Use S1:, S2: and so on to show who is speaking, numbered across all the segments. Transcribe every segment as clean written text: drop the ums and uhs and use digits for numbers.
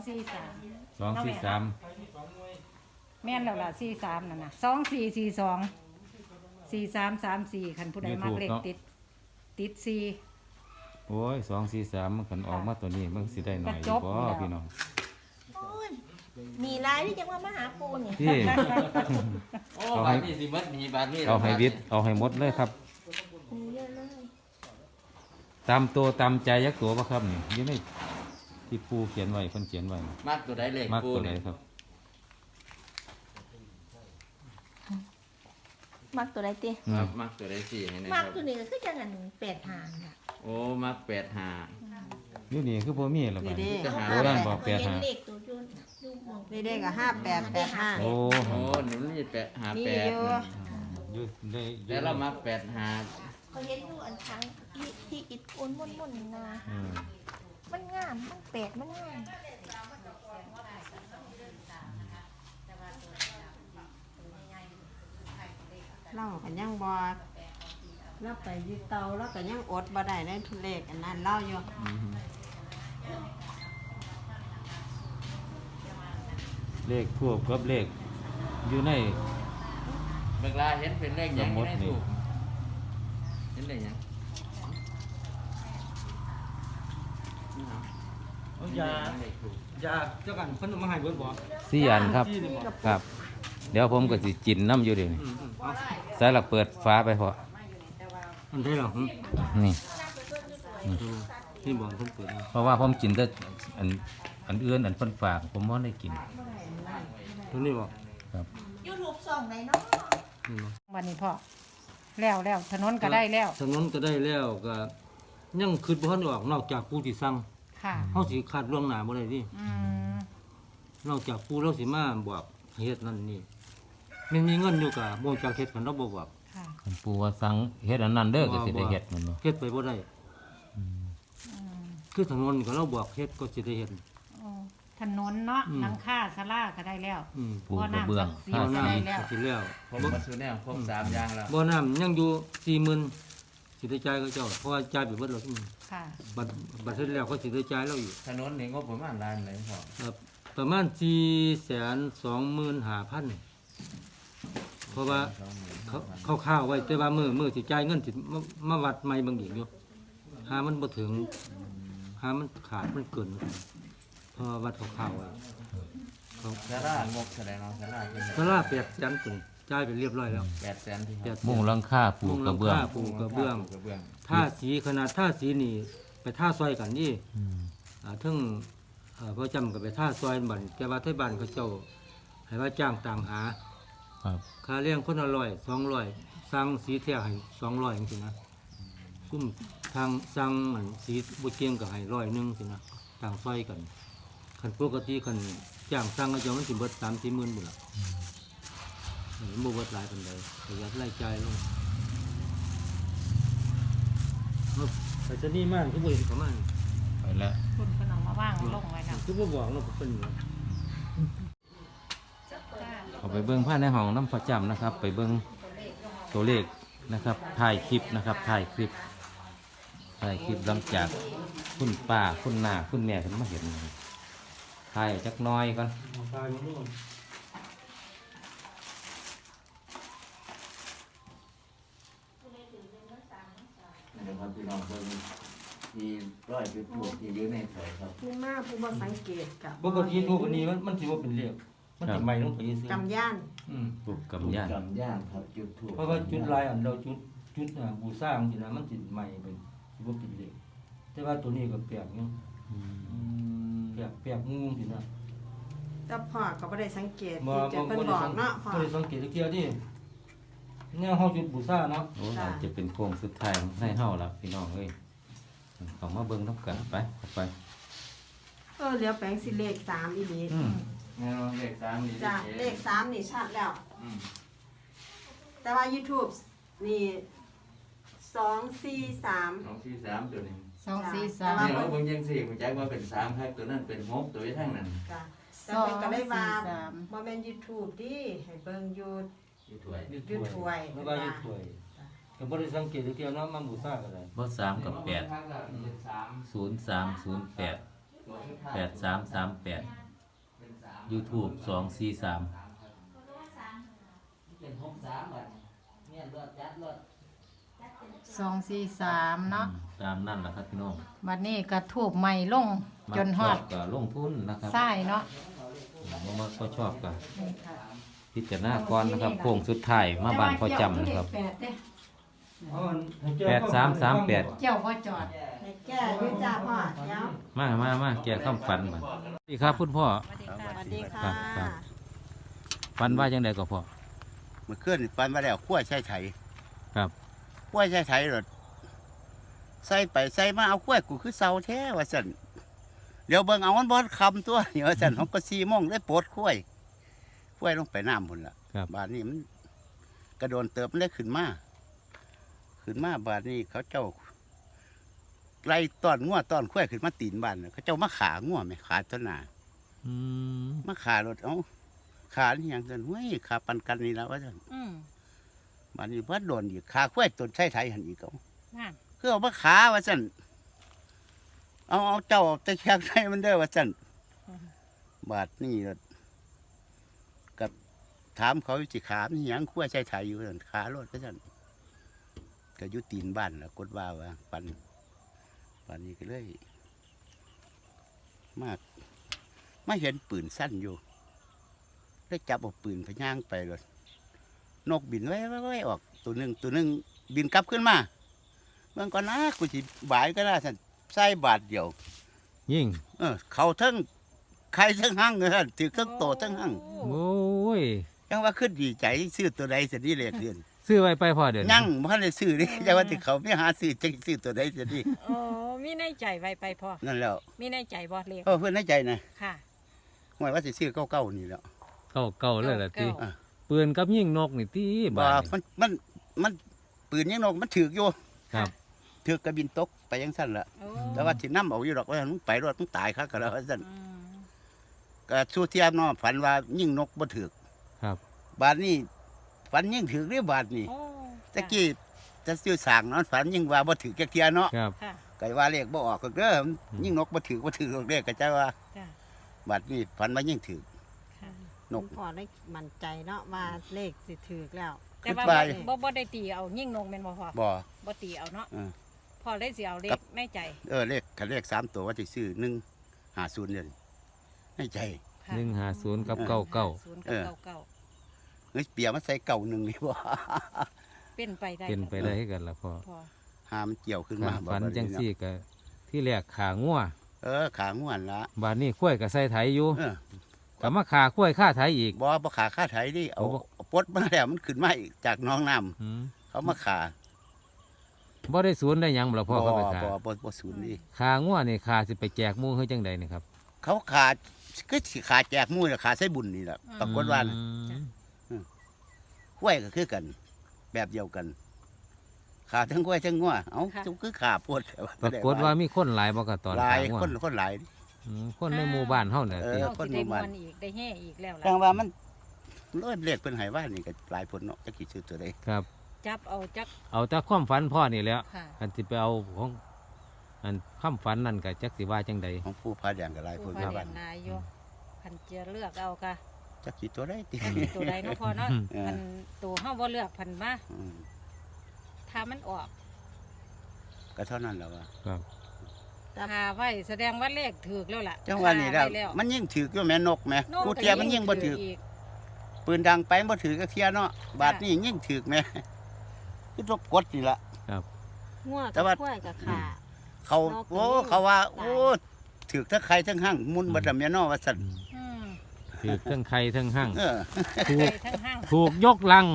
S1: 243แม่นแล้วล่ะ43นั่นน่ะ2442 4334คันผู้ใดมักเลขติด4
S2: โอ้ย243มันคันออกมาตัวนี้มันสิได้หน่อยอยู่บ่พี่น้อง
S3: โอ้ยมีลายที่จะมาหาปูนี่
S2: ที่
S4: โอ้บาทนี่สิมัดมีบาทนี่
S2: เอาให้วิทย์เอาให้หมดเลยครับ
S3: มีเยอะเลย
S2: ตามตัวตามใจยักตัวบ่ครับนี่อยู่ในที่ปูเขียนไว้เพิ่นเขียนไว้
S4: มัดตัวใดเลข
S2: มัก
S4: ปู
S2: ตัวไหน
S4: นี่
S2: ครับ
S3: มักตัวใดติ
S4: ครับมักตัวใดสี่ให้นะ
S3: มั
S4: ค
S3: ก
S4: รับ
S3: ตัวนี้ก็คือจังอัน8หางน่ะ
S4: โอ้มัก85
S2: อยู่นี่คือบ่มีแล้วบัดนี้
S4: จะหา
S2: โบราณบอก
S3: เห็น
S2: 85
S3: เลขตัวจุนอยู่หมอง
S5: นี่ได้กับ5885
S2: โอ้
S4: โอ้หนูนี่858
S5: มีอยู่
S2: อยู่ได้อยู่
S4: แล้วเรามัก85
S3: เขาเห็นอยู่อันทั้งที่อิดอุ่นม่วนๆนะ
S2: อืม
S3: มันงามมันแปลกมันงาม
S5: เล่ากันยังบ่เราไปยึดเตาแล้วก็ยังอดบ่ได้ในทุเลขอันนั้นเล่าอยู่
S2: เลขทูบกับเลขอยู่ใน
S4: เวลาเห็นเป็นเลขหยัง
S2: สมมุติ
S4: ได้
S2: นี่
S4: ถูกเห็นเลขหยัง
S6: ยา
S4: เลขถูก
S6: ยาเจ้ากันเพิ่นเอามาให้เบิดบ่
S2: 4อันครับ
S6: ที่นี่บ่
S2: ครับ เดี๋ยวผมก็สิจินน้ำอยู่เดี๋ยวนี้
S6: เอา
S2: ใส่ละเปิดฟ้าไปพอ
S6: อันใดล่ะ
S2: นี่
S6: ที่บ่เพิ่นเปิดเอา
S2: เพราะว่าผมกินแต่อันอื่นอันเพิ่นฝากผมบ่ได้กิน
S6: ตัวนี้บ่
S2: ครับ
S3: YouTube ส่องไหนเนาะ
S6: นี่บ่
S1: วันนี้พ่อแล้วถนนก็ได้แล้ว
S6: ถนนก็ได้แล้วก็ยังคิดบ่ทันออกนอกจากผู้ที่สั่ง
S1: ค่ะ
S6: เฮาสิคาดล่วงหน้าบ่ได้ดิ
S1: อืม
S6: นอกจากผู้เราสิมาบอกให้เฮ็ดนั่นนี่มันมีเงินอยู่ก็บ่รู้จักเฮ็ดกันเราบ่บอก
S1: ค่ะ
S2: คันปูว่าสั่งเฮ็ดอันนั้นเด้อก็สิได้เฮ็ดมันบ่
S6: เฮ็ดไปบ่ได้คือถนนก็เราบอกเฮ็ดก็สิได้เฮ็ด
S1: อ๋อถนนเนาะ
S6: อืม
S1: หลังคาศาลาก็ได้แล้ว
S2: ปูกระเบื้อง
S1: บ่อน้ำศักดิ์สิทธิ์
S6: เอา
S1: ได้
S6: น้ำ
S1: แล้ว
S6: สิแล้ว
S4: ครบหมดทุกแนวครบ3อย่างแล้ว
S6: บ่อน้ำยังอยู่40,000สิได้จ่ายเขาเจ้าเพราะว่าจ่ายไปเบิดแล้วซุมื้อ
S1: ค่ะ
S6: บัตรเสร็จแล้วเขาสิได้จ่ายเราอีก
S4: ถนนนี่งบประมาณล้านเลยพ่อ
S6: ครับประมาณ425,000เพราะว่าเขาข้าวๆไว้แต่ว่ามือสิจ่ายเงินสิมาวัดใหม่บางอีกอยู่หามันบ่ถึงหามันขาดมันเกินเพราะว่าวัดข้าวๆไว้เขา
S4: ซาร่างบแสดงเอาซาร่าเป็น
S6: สลา800,000ตัวจ่ายไปเรียบร้อยแล้ว
S4: 800,000ที่ครับ
S2: มุงหลังคาปูกระเบื้อง
S6: ปูกระเบื้อง
S4: กระเบื้อง
S6: ท่าสีขนาดท่าสีนี่ไปท่าซอยกันนี่
S2: อืม
S6: ถึงพระจำกับไปท่าซอยบันแต่ว่าไทยบ้านเขาเจ้าให้ว่าจ้างต่างหา
S2: ครับ
S6: ค่าเลี้ยงคนละ200สั่งสีแท้ให้200จังซี่นะซุ่มทางสั่งอันสีบ่เกียงก็ให้100นึงสินะต่างซอยกันคันปกติคันจ้างสั่งก็จะมันสิเบิด3-4 หมื่นพุ่นล่ะบ่เบิดหลายปานใดประหยัดรายจ่ายลงเอาไปซะนี่มากคือบ่เห็นเขามา
S2: ไปแล้ว
S1: คุณเพิ่นเอามาว่างลงไว้แล้ว
S6: คือบ่บอกเนาะเพิ่น
S2: เอาไปเบิ่งภายในห้องน้ำประจำนะครับ ไปเบิ่งตัวเลขนะครับถ่ายคลิปนะครับถ่ายคลิปหลังจากคุณป้าคุณน้าคุณแม่เพิ่นมาเห็นถ่ายจักหน้อยก่อน
S6: ตายนู่น
S4: นะครับพี่น้องเพิ่นที่ร้อยจุดถูกที่อยู่ในแถวครับ
S5: ผู้มาผู้บ่สังเกตกับ
S6: ปกติทูบอันนี้มันสิบ่เป็นเลขมันสิใหม่ลงไปซื่อก
S5: ำย่าน
S2: ปลูกกำยาน
S4: กำย่านครับจุดถูก
S6: เพราะว่าจุดลายอันเราจุดบูชาจังซี่นะมันสิใหม่เป็นสิบ่เป็นเลขแต่ว่าตัวนี้ก็แปลกอยู่แปลกงูสินะ
S5: แต่พ่อก็บ่ได้สังเกต
S6: บ่
S5: ที่จะเพิ่นบอกเนาะพ่อ
S6: บ่ได้สังเกตเที่ยวดิเนี่ยเฮาจุดบูชาเนาะ
S2: โอ้อาจจะเป็นโค้งสุดท้ายของให้เฮาละพี่น้องเอ้ยเขามาเบิ่งน้ำกันไปเข้าไป
S5: เหลียวแปลงสิเลข3อีหลี
S2: อืม
S4: แนวเลข3นี่
S5: จ้ะเลข3นี่ชัดแล้ว แต่ว่า YouTube นี่243
S4: 2 4 3ตัวนี้
S1: 243
S4: นี่เราเบิ่งจังซี่ผมใจว่าเป็น3ครับตัวนั้นเป็น6ตัวอยู่ทางนั้น
S5: จ้ะแต่เพิ่นก็เลยว่า
S1: 243
S5: บ่แม่น YouTube ดิให้เบิ่งอยู่
S4: อยู่ถ้วย
S5: อยู่ถ้วย
S6: แล้วก็อยู่ถ้วยก็บ่ได้สังเกตเที่ยวเนาะมาบูชาก็ได้
S2: บ่3กับ8
S4: 3
S2: 0308 8338 YouTube 243
S1: 243เนาะ
S2: ตามนั่นแหละครับพี่น้อง
S1: บัดนี้ก็ทูบใหม่ลงจนฮอด
S2: มักชอบก็ลงทุนนะครับ
S1: ใช่เนาะ
S2: บ่มักก็ชอบก็
S1: นี่ค่ะ
S2: พิจารณาก่อนนะครับโค้งสุดท้ายมาบ้านพ่อจำนะครับ 8338
S1: เจ้าพ่อจอด
S5: ให้แก้อยู่จ้าพ่อเดี๋ยว
S2: มาแก้คำฝันบัดสวัสดีครับคุณพ่อ
S5: สวัสดีค่ะ
S2: ครับ ฝันว่าจังไดก็พ่อ
S7: เมื่อคืนปันมาแล้วขั้วใช้ไถ
S2: ครับ
S7: ขั้วใช้ไถรถใส่ไปใส่มาเอาขั้วกูคือเสาแท้ว่าสันเดี๋ยวเบิ่งเอามันบอดคำตัวเดี๋ยวสันเขาก็4 โมงได้ปลดขั้วลงไปน้ำพุ่นละ
S2: ครับ
S7: บาดนี้มันกระโดนเติบมันได้ขึ้นมาบาดนี้เขาเจ้าไล่ต้อนงัวต้อนขั้วขึ้นมาตีนบ้านน่ะเขาเจ้ามาขางัวไหมขาต้นหนา
S2: อืม
S7: มาขารถเอาขานี่ยังสันเฮ้ยขาปันกันนี่แล้วว่าสัน
S1: อืม
S7: บาดนี้ว่าโดนอีกขาขั้วต้นใช้ไถหันอีกเอา
S1: นั่น
S7: คือเอามาขาว่าสั่นเอาเจ้าตะแคงใส่มันเด้อว่าสั่นบาดนี่กับถามเขาสิขามนี่หยังขั้วใช้ไถอยู่สั่นขาโลดว่าสั่นก็อยู่ตีนบ้านแล้วกดว่าปันนี้ก็เลยมาเห็นปืนสั้นอยู่ได้จับเอาปืนพย่างไปเลยนกบินไว้ออกตัวหนึ่งบินกลับขึ้นมาเมื่อก่อนนะกูสิบ่ายก็ได้สั่นใส่บาทเดียว
S2: ยิ่ง
S7: เขาทั้งใครทั้งหั่งเลยสั่นถือทั้งโตทั้งหั่ง
S2: โอ้ย
S7: ยังว่าขึ้นดีใจซื้อตัวใดสินี่เลยเดือน
S2: ซื้อไว้ไปพ่อเดี๋ยวนี้
S7: ยังบ่ทันได้ซื้อนี่แต่ว่าที่เขาไม่หาซื้อจะซื้อตัวใดสินี่
S1: โอ้มีในใจไว้ไปพ่อ
S7: นั่นแล้ว
S1: มีในใจบ่เลข
S7: เพื่อนในใจนะ
S1: ค่ะ
S7: หมายว่าสิซื้อเก้านี่แล้ว
S2: เก่าเลยล่ะติ
S1: เก้า
S2: ปืนกับยิงนกนี่ติ
S7: บ่
S2: บาด
S7: มันปืนยังนกมันถือกอยู่
S2: ครับ
S7: ถือกกระบินตกไปยังสั่นละ
S1: โอ้
S7: แต่ว่าที่น้ำเอาอยู่ดอกว่ามึงไปรถมึงตายครับก็แล้วว่าสั่น
S1: อืม
S7: ก็สู้เทียมเนาะฝันว่ายิ่งนกบ่ถือก
S2: ครับ
S7: บาดนี้ฝันยิ่งถือกหรือบาดนี้
S1: โอ้
S7: ตะกี้จะซื้อสร้างเนาะฝันยิ่งว่าบ่ถือกจักเทียเนาะ
S2: ครับ
S1: ค่ะ
S7: ก็ว่าเลขบ่ออกก็เด้อยิ่งนกบ่ถือกเลขก็จะว่า
S1: ค่ะ
S7: บาดนี้ฝันว่ายิ่งถือก
S1: ค่ะ
S7: นก
S5: คุณพ่อได้มั่นใจเนาะว่าเลขสิถูกแล้ว
S1: แต่ว่า
S7: ขึ้นไป
S1: บ่ได้ตีเอายิ่งนกแม่นบ่พ่อ
S7: บ่
S1: บ่ตีเอาเนาะ
S7: เออ
S1: พ่อเลยสิเอาเล
S7: ครั
S1: ข
S7: บ
S1: ในใจ
S7: เลขคันเลข3ตัวว่าสิซื้อ150เดือนในใจ
S1: ค่ะ
S2: 150กับ
S1: 0
S2: 99
S1: กับ
S7: เออ
S1: เก้าเก้า
S7: เฮ้ยเปียมาใส่เก่าหนึ่งนี่บ่
S1: เป็นไปได้
S2: เป็นไปได้ให้กันล่ะพ่อ
S1: พ่อ
S7: หามันเกี่ยวขึ้น
S2: กา
S7: มา
S2: ร
S7: บ่
S2: ฝัน
S7: บัด
S2: จัง
S7: นี้
S2: ซี่
S7: เนาะ
S2: ก็ที่แรกขางัว
S7: ขาง่วนละ
S2: บาดนี้ข้วยก็ใส่ไถอยู่
S7: เออ
S2: ก็มาขาข้วยค่าไถอีก
S7: บ่ขาค่าไถดิเอา
S2: โอ้บ่
S7: เอาปลดมาแล้วมันขึ้นมาอีกจากหน้องน้ำ
S2: อืม
S7: เขามาขา
S2: บ่ได้ศูนย์ได้หยังบ่ล่ะพ่อเขาไปขา
S7: บ่ศูนย์นี่
S2: ขางัวนี่ขาสิไปแจกหมู่เฮ็ดจังใดนี่ครับ
S7: เขาขาคือสิขาแจกหมู่น่ะขาใส่บุญนี่แหละปรากฏว่าน่ะ
S2: อืม
S7: ห้วยก็คือกัน แบบเดียวกัน ขาทั้งห้วยทั้งงัวเอ้าจุคือขาปวด
S2: ปรากฏว่ามีคนหลายบ่ก็ตอน
S7: หลาย
S2: ขางัว
S7: คนหลาย
S2: คนในหมู่บ้านเฮาน่ะติ
S7: เออ
S1: เอาสิได้มวนอีกได้แห่อีกแล้วล่ะ
S7: จังว่ามันร้อยเลขเพิ่นให้ว่านี่ก็หลายผลเนาะจักสิซื้อตัวใด
S2: ครับ
S1: จับเอาจัก
S2: เอาแต่ความฝันพ่อนี่แหล้ว
S1: ค่ะ
S2: อันสิไปเอาของอันความฝันนั่นก็จักสิว่าจังใด
S7: ของผู้พาแดงก็หลายผ
S1: ผู้
S7: ล
S1: พา
S7: มา
S1: เรี
S7: บ้าย น
S1: นนายอยู่คันจะเลือกเอาค่ะ
S7: จักสิตัวใดติ
S1: คันสิตัวใดเนาะพ่อเนาะ
S7: เออ
S1: มันตัวเฮาบ่เลือกพันมา
S7: อืม
S1: ถ้ามันออก
S7: ก็เท่านั้นแหล้วว่า
S2: ครับ
S1: คาไว้แสดงว่าเลขถูกแล้วล่ะ
S7: จังหวะนี้แล้ว
S1: คาไแล้ว
S7: มันยิ่งถือกอยู่แม่นกแม่
S1: โน่น
S7: กู
S1: ก็
S7: เทียมันยิ่งบ่ถือก
S1: อีก
S7: ปืนดังไปบ่ถือกก็เทียเนาะบาดนี้ยิ่งถือกแม่คือตกกดนี่ล่ะ
S5: งัว
S7: แต่
S5: กับ
S7: ว่า
S5: ข้วยกับขา
S7: เขา
S5: นก
S7: โอ้
S5: ก็ยิ่ง
S7: เขาว่า
S5: ตาย
S7: โอ้ถือกทั้งใครทั้งห้างมุนบ่ดำแม่นอว่าซั่น
S1: อืม
S2: ถือทั้งไข่ทั้งหั่ง
S7: เออ
S2: ถู
S1: ไป
S2: ก
S1: ทั้งห้าง
S2: ถูกยกลัง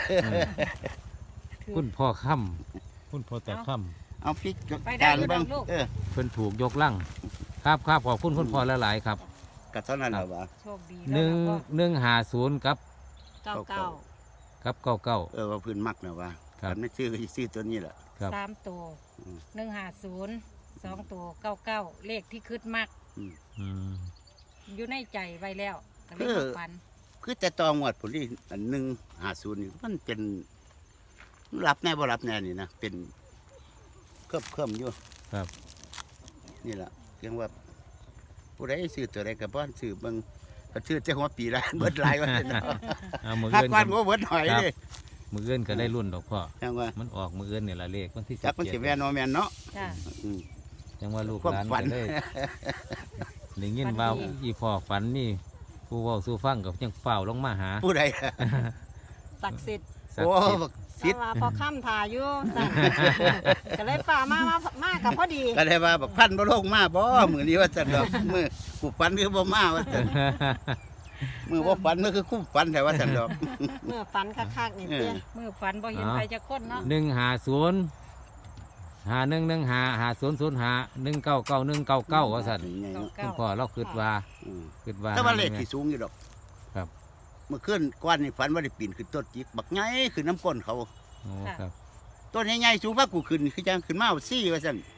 S1: ถูก
S2: คุณพ่อค่ำคุณพ่อแต่ค่ำ
S7: เอาพริก
S1: ไปได้
S7: จาน
S1: อยู่
S7: เบิ่ง
S1: ดอกลูก
S7: เออ
S2: เพิ่นถูกยกลังครับครับขอบคุณคุณพ่อหลายๆครับ
S7: ก็เท่านั้นแหละว่า
S1: โชคดี
S2: ห
S1: แล้ว
S2: นึ่ง
S1: นะพ่อ
S2: หนึ่งหาศูนย์กับ
S5: เก้าเก้า
S2: กับเก้าเก้า
S7: ว่าพื้นมักนะว่า
S2: ครับ
S7: คันไม่ซื้อก็สิซื้อตัวนี้แหละ
S2: ครับ
S1: 3ตัว
S7: อืม
S1: 150 2ตัว99เลขที่คึดมาก
S2: อืม
S1: อยู่ในใจไว้แล้วก็เลยมาฝัน
S7: คือแต่ตองวดผลที่อัน150นี่มันเป็นรับแน่บ่รับแน่นี่นะเป็นเคลิบอยู่
S2: ครับ
S7: นี่แหละเพียงว่าผู้ใดซื้อตัวใดก็บ่ซื้อเบิ่งก็ซื้อแต่หัวปีละ เบิดหลายว่าซั่นเนาะ
S2: เอามือ
S7: หัก
S2: เอื้อน
S7: กวนก็เบิดหอยเด้
S2: มือเอื้อนก็ได้รุ่นดอกพ่อ
S7: จังว่า
S2: มันออกมือเอื้อนเนี่ยละเลขวันที่
S7: จักมันสิแม่นบ่แม่นเนาะ
S1: จ้ะ
S7: อืม
S2: จังว่าลูก
S7: ความ
S2: หลาน
S7: ฝัน
S2: ก็ได้ได้ยินว่าอีพ่อฝันนี่ผู้เว้าสู่ฟังกับยังเฝ้าลงมาหา
S7: ผู้ใด
S5: ศักดิ์สิทธิ์
S2: สัก
S7: โอ้
S2: ดิ์สิทธิ์
S7: บัก
S5: เพ
S7: สิท
S5: ราะ
S7: ธิ์
S5: ว่าพอค่ำทาอยู่สั่นก็เลยป่ามากับพอดี
S7: ก็ได้ว่าบักพันบ่ลงมาบ่มื้อนี้ว่าซั่นดอกมื้อกูฝันคือบ่มาว่าซั่นมื้อบ่ฝันมันคือคุ้มฝันแต่ว่าซั่นดอก
S5: เมื่อฝันคักๆนี่เตี้ย
S1: มือฝันบ่เห็นใครจะคนเนาะ
S2: 150511151999199ว่าซั่น คุณพ่อเราคิดว่า
S7: อืม
S2: คิดว่า
S7: แต่ว่าเลขที่สูงอยู่ดอก
S2: ครับ
S7: เมื่อคืนก่อนนี่ฝันว่าได้ปีนขึ้นต้นจิกบักใหญ่ขึ้นน้ำก้นเขา
S2: โอ้ครับ
S7: ต้นใหญ่ๆสูงกว่ากูขึ้นคือจังขึ้นมาเอาซี่ว่าซั่น